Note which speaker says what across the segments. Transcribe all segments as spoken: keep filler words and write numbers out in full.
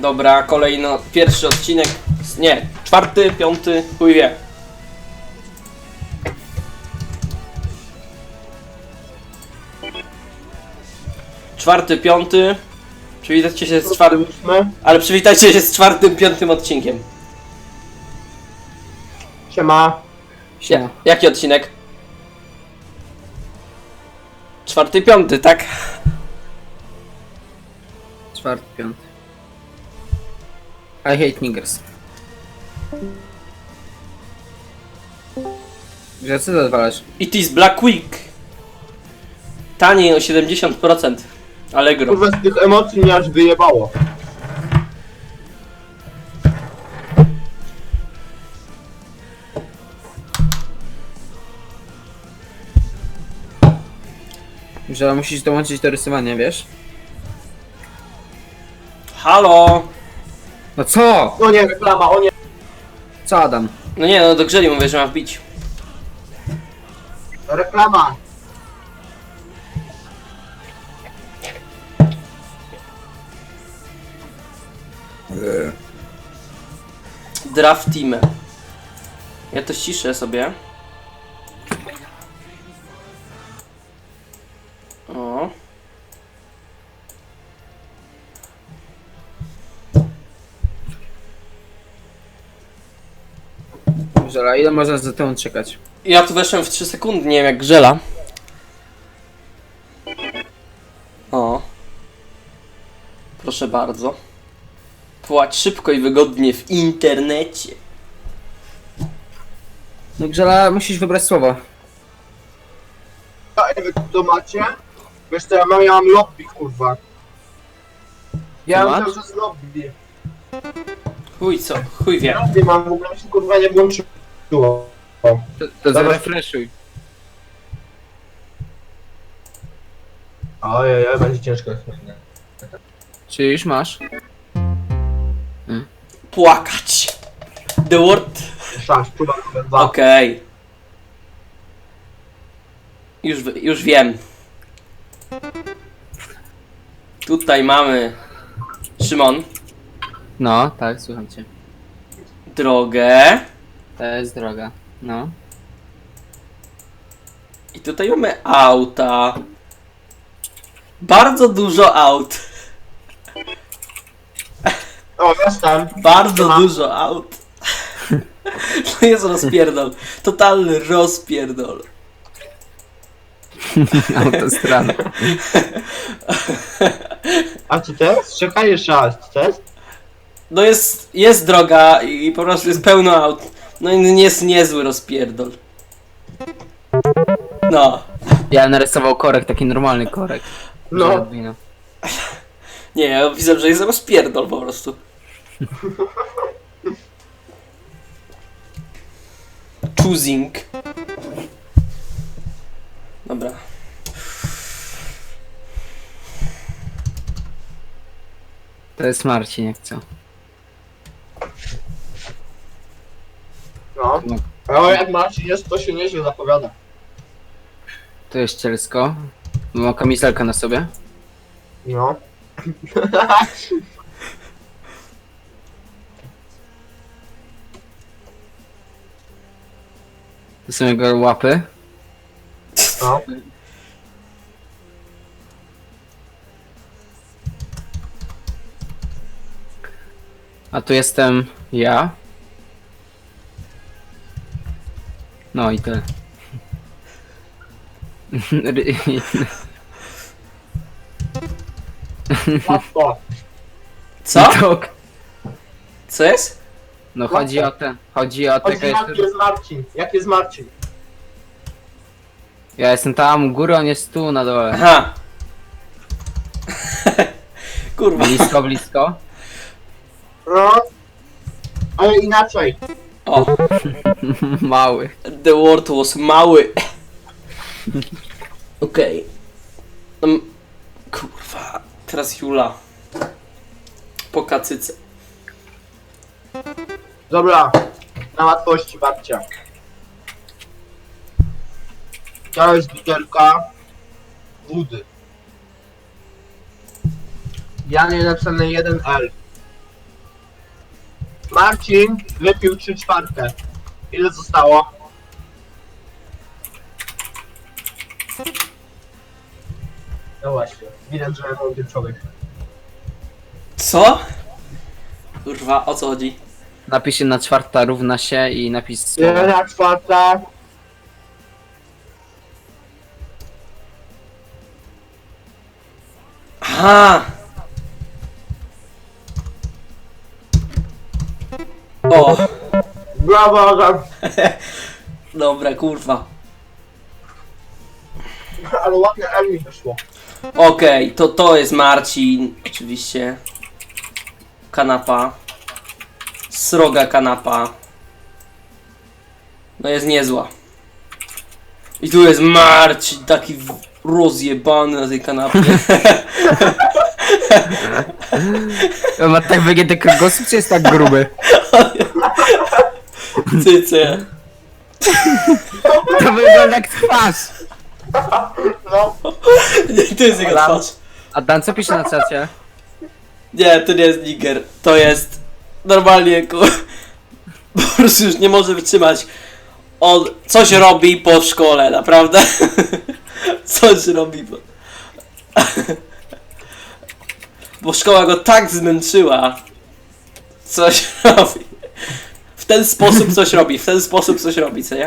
Speaker 1: Dobra, kolejno pierwszy odcinek. Nie, czwarty, piąty, chuj wie. Czwarty, piąty. Przywitajcie się z czwartym. Ale przywitajcie się z czwartym, piątym odcinkiem.
Speaker 2: Siema.
Speaker 1: Ja, jaki odcinek? Czwarty, piąty, tak?
Speaker 3: Czwarty, piąty. I hate niggers. Że co zadwalasz?
Speaker 1: It is Black Week. Taniej o siedemdziesiąt procent. Allegro.
Speaker 2: Kurwa, z tych emocji mnie aż wyjebało.
Speaker 3: Że musisz dołączyć do rysowania, wiesz?
Speaker 1: Halo?
Speaker 3: No co?
Speaker 2: O nie, reklama, o nie.
Speaker 3: Co Adam?
Speaker 1: No nie, no do grzeli mówię, że ma wbić.
Speaker 2: Reklama.
Speaker 1: Draft Team. Ja to ściszę sobie. O.
Speaker 3: Żela, ile można za tą czekać?
Speaker 1: Ja tu weszłem w trzy sekundy, nie wiem jak grzela. O. Proszę bardzo. Płać szybko i wygodnie w internecie.
Speaker 3: No Grzela, musisz wybrać słowo.
Speaker 2: A wy to macie? Wiesz co, ja mam, ja mam lobby, kurwa. Ja
Speaker 3: Co
Speaker 2: mam
Speaker 3: masz?
Speaker 2: cały czas lobby.
Speaker 1: Chuj co, chuj wie.
Speaker 2: Lobby mam, w ogóle mi się kurwa nie włączyło.
Speaker 3: To, to
Speaker 2: Dobra.
Speaker 3: zarefreshuj.
Speaker 2: Ojej, będzie ciężko.
Speaker 3: Czy już masz?
Speaker 1: Płakać. The word.
Speaker 2: Szans, próba numer dwa.
Speaker 1: Okej. Okay. Już, wi- już wiem. Tutaj mamy Szymon,
Speaker 3: No, tak, słucham cię.
Speaker 1: drogę.
Speaker 3: To jest droga. No.
Speaker 1: I tutaj mamy auta. Bardzo dużo aut.
Speaker 2: O, jestem.
Speaker 1: Bardzo
Speaker 2: Siema.
Speaker 1: dużo aut. To jest rozpierdol. Totalny rozpierdol.
Speaker 3: Autostrada.
Speaker 2: A co to jest? Czekaj jeszcze raz, co to jest?
Speaker 1: No jest, jest droga i po prostu jest pełno aut. No i jest niezły rozpierdol. No.
Speaker 3: Ja narysował korek, taki normalny korek.
Speaker 2: No.
Speaker 3: Że Arduino.
Speaker 1: Nie, ja widzę, że jest rozpierdol po prostu. Choosing. Dobra.
Speaker 3: To jest Marcin, jak co?
Speaker 2: No.
Speaker 3: No.
Speaker 2: Ale jak Marcin jest, to się nieźle zapowiada.
Speaker 3: To jest cielsko. Ma kamizelkę na sobie.
Speaker 2: No.
Speaker 3: To są jego łapy.
Speaker 2: No.
Speaker 3: A tu jestem ja. No i tyle.
Speaker 2: Łatwo.
Speaker 1: Co?
Speaker 3: To-
Speaker 1: Co jest?
Speaker 3: No chodzi o ten. Chodzi o
Speaker 2: Chodź,
Speaker 3: tego
Speaker 2: jak
Speaker 3: jeszcze.
Speaker 2: jest Marcin? Jak jest Marcin?
Speaker 3: Ja jestem tam u góry, on jest tu na dole.
Speaker 1: Aha. Kurwa.
Speaker 3: Blisko, blisko.
Speaker 2: No. Ale inaczej.
Speaker 1: O,
Speaker 3: Mały.
Speaker 1: the word was mały. Okej. Okay. Um, kurwa. Teraz Jula. Po kacyce.
Speaker 2: Dobra. Na łatwości, babcia. To jest butelka wody. Ja nie napisane jeden L. Marcin wypił trzy czwarte. Ile zostało? No właśnie, widać, że mądry człowiek.
Speaker 1: Co? Kurwa, o co chodzi?
Speaker 3: Napisz jedna czwarta równa się i napis słowo.
Speaker 2: Jedna czwarta.
Speaker 1: Aha! O!
Speaker 2: Brawo, Adam.
Speaker 1: Dobra, kurwa.
Speaker 2: Ale ładnie Emil wyszło.
Speaker 1: Okej, to to jest Marcin, oczywiście. Kanapa. Sroga kanapa. No jest niezła. I tu jest Marcin, taki w- rozjebany na tej kanapie.
Speaker 3: On ma tak wygięty kręgosłup, czy jest tak gruby?
Speaker 1: Cyce.
Speaker 3: To wygląda jak twarz!
Speaker 2: No,
Speaker 1: Nie, to jest jego twarz.
Speaker 3: A Dan, co pisze na czacie?
Speaker 1: Nie, to nie jest Niger. To jest normalnie ku... Po prostu już nie może wytrzymać. On coś robi po szkole, naprawdę. Coś robi po... Bo szkoła go tak zmęczyła. Coś robi. W ten sposób coś robi, w ten sposób coś robi, co nie?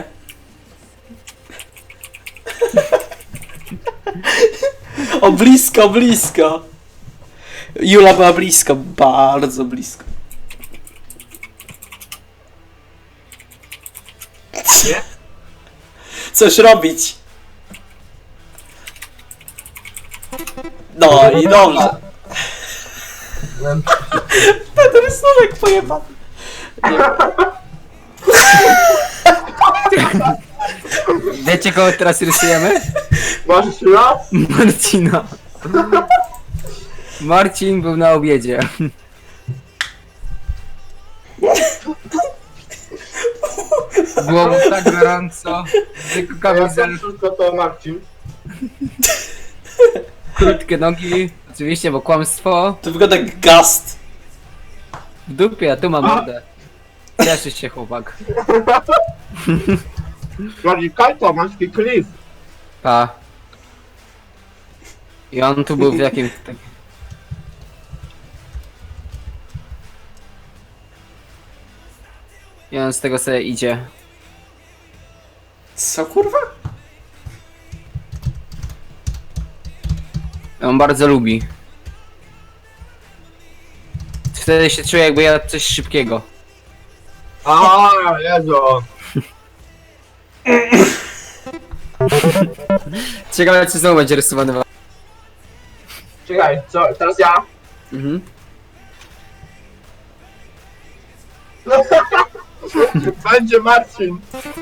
Speaker 1: O blisko, blisko. Jula była blisko, bardzo blisko.
Speaker 2: nie?
Speaker 1: Coś robić. No i dobrze. Ten rysunek pojebany.
Speaker 3: Wiecie, kogo teraz rysujemy?
Speaker 2: Masz jeszcze raz?
Speaker 3: Marcina. Marcin był na obiedzie. Było mu tak gorąco, tylko
Speaker 2: Ja
Speaker 3: kamizel,
Speaker 2: wszystko to Marcin.
Speaker 3: krótkie nogi, oczywiście, bo kłamstwo.
Speaker 1: To wygląda jak gast.
Speaker 3: W dupie, a tu mam mordę. Cieszy się chłopak.
Speaker 2: Bardziej kajto, masz taki klif.
Speaker 3: Pa. I on tu był w jakim... tak- I on z tego sobie idzie.
Speaker 1: Co kurwa?
Speaker 3: On bardzo lubi. Wtedy się czuję, jakby jadł coś szybkiego.
Speaker 2: A, Jezu.
Speaker 3: Ciekawe, czy znowu będzie rysowany.
Speaker 2: Czekaj, co, teraz ja?
Speaker 3: Mhm.
Speaker 2: Będzie Marcin.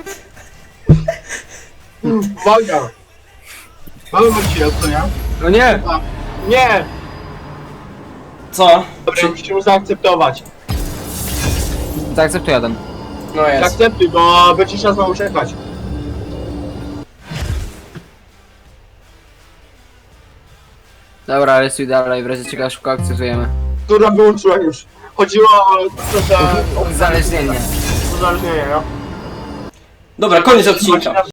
Speaker 2: Uwaga. Mamy Marcina, co nie?
Speaker 3: No nie!
Speaker 2: A, nie!
Speaker 1: Co?
Speaker 2: Dobra, musimy zaakceptować.
Speaker 3: Zaakceptuję ten.
Speaker 1: No jest.
Speaker 2: Zaakceptuj, bo będzie trzeba znowu czekać.
Speaker 3: Dobra, rysuj dalej, w razie czego szybko akceptujemy.
Speaker 2: Która wyłączyła już. Chodziło o to, że...
Speaker 3: Uzależnienie.
Speaker 2: Uzależnienie, no.
Speaker 1: Dobra, koniec odcinka.